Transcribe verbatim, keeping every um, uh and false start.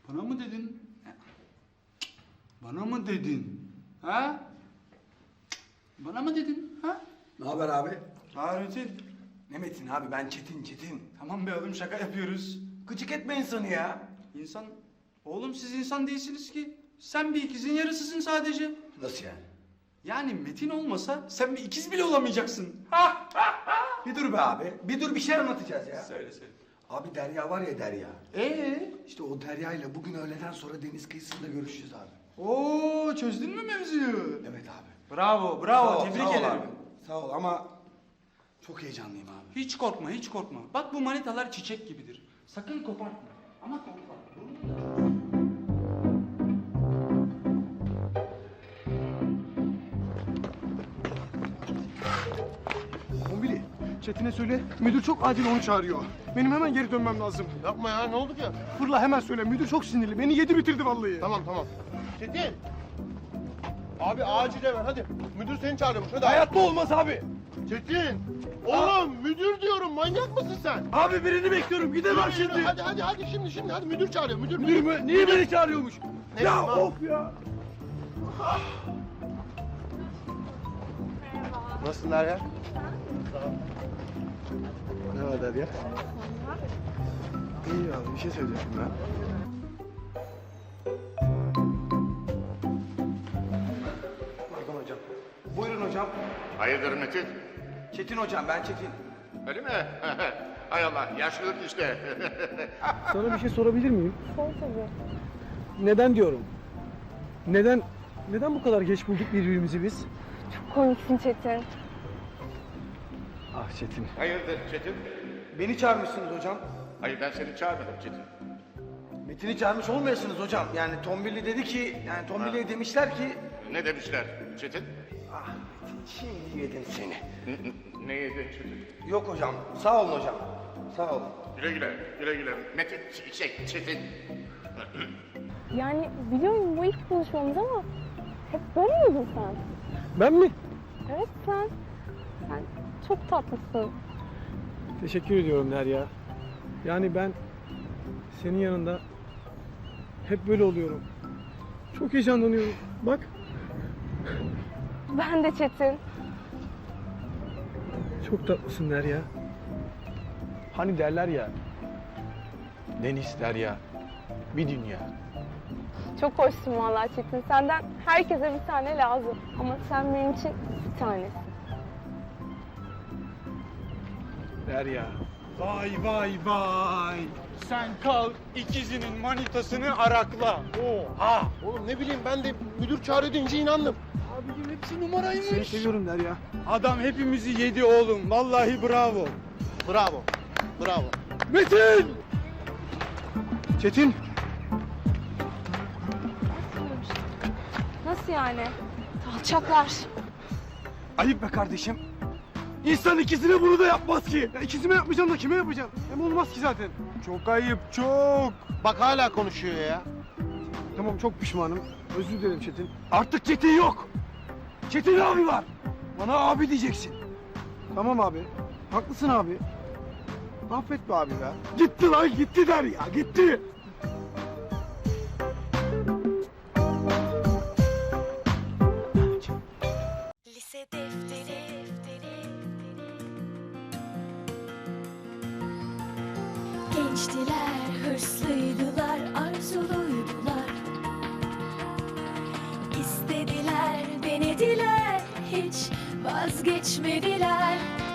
Bana mı dedin? Bana mı dedin? Ha? Bana mı dedin? Ha? Ne haber abi? Ha Metin. Ne Metin abi, ben Çetin, Çetin. Tamam be oğlum, şaka yapıyoruz. Gıcık etme insanı ya. İnsan... Oğlum siz insan değilsiniz ki. Sen bir ikizin yarısısın sadece. Nasıl yani? Yani Metin olmasa sen bir ikiz bile olamayacaksın. Bir dur be abi, bir dur, bir şey anlatacağız ya. Söyle söyle. Abi Derya var ya Derya. Ee? İşte o Derya ile bugün öğleden sonra deniz kıyısında görüşeceğiz abi. Oo, çözdün mü mevzuyu? Evet abi. Bravo, bravo. Sağ ol, Tebrik sağ ol ederim. abi. Sağ ol ama çok heyecanlıyım abi. Hiç korkma, hiç korkma. Bak bu manitalar çiçek gibidir. Sakın kopartma. Ama kokla. Bombili, Çetin'e söyle, müdür çok acil onu çağırıyor. Benim hemen geri dönmem lazım. Yapma ya, ne oldu ki? Fırla hemen söyle, müdür çok sinirli. Beni yedi bitirdi vallahi. Tamam tamam. Çetin! Abi acil hemen hadi. Müdür seni çağırıyormuş hadi. Hayatta olmaz abi. Çetin! Oğlum müdür diyorum, manyak mısın sen? Abi birini bekliyorum, gidemem Yürü, yürü. şimdi. Hadi hadi hadi şimdi şimdi hadi müdür çağırıyor müdür. Müdür mü? Niye beni çağırıyormuş? Ne ya bileyim abi. of ya. Nasılsın Derya? Ne var Derya? İyi abi, bir şey söyleyecektim ben. Pardon hocam. Buyurun hocam. Hayırdır Metin? Çetin hocam, ben Çetin. Öyle mi? Hay Allah, yaşlılık işte. Sana bir şey sorabilir miyim? Sor tabii. Neden diyorum? Neden, neden bu kadar geç bulduk birbirimizi biz? Çok komiksin Çetin. Ah Çetin. Hayırdır Çetin? Beni çağırmışsınız hocam. Hayır, ben seni çağırmadım Çetin. Metin'i çağırmış olmayasınız hocam. Yani Tombilli dedi ki, yani Tombilli'ye demişler ki... Ne demişler Çetin? Ah Metin, şimdi yedim seni. N- n- ne yedin Çetin? Yok hocam, sağ olun hocam. Sağ olun. Güle güle, güle güle. Metin, şey, Çetin. Yani biliyorum bu ilk buluşmamız ama hep böyle miydin sen? Ben mi? Evet sen. Sen çok tatlısın. Teşekkür ediyorum Derya. Yani ben senin yanında hep böyle oluyorum. Çok heyecanlanıyorum. Bak. Ben de Çetin. Çok tatlısın Derya. Hani derler ya, deniz derya, bir dünya. Çok hoşsun vallahi Çetin. Senden herkese bir tane lazım. Ama sen benim için bir tanesin. Derya. Vay vay vay. Sen kalk ikizinin manitasını arakla. Ha! Oğlum ne bileyim ben de müdür çağırıyor deyince inandım. Abicim hepsi numaraymış. Seni seviyorum Derya. Adam hepimizi yedi oğlum. Vallahi bravo. Bravo. Bravo. Metin! Çetin, Nasıl yani? Alçaklar. ayıp be kardeşim. İnsan ikisine bunu da yapmaz ki. Ya ikisine yapmayacağım da kime yapacağım? Hem olmaz ki zaten. Çok ayıp, çok. Bak hala konuşuyor ya. Tamam, çok pişmanım. Özür dilerim Çetin. Artık Çetin yok. Çetin abi var. Bana abi diyeceksin. Tamam abi. Haklısın abi. Affet be abi be. Gitti lan, gitti der ya, gitti. Lise defteri, gençtiler, hırslıydılar, arzuluydular. İstediler, denediler, hiç vazgeçmediler.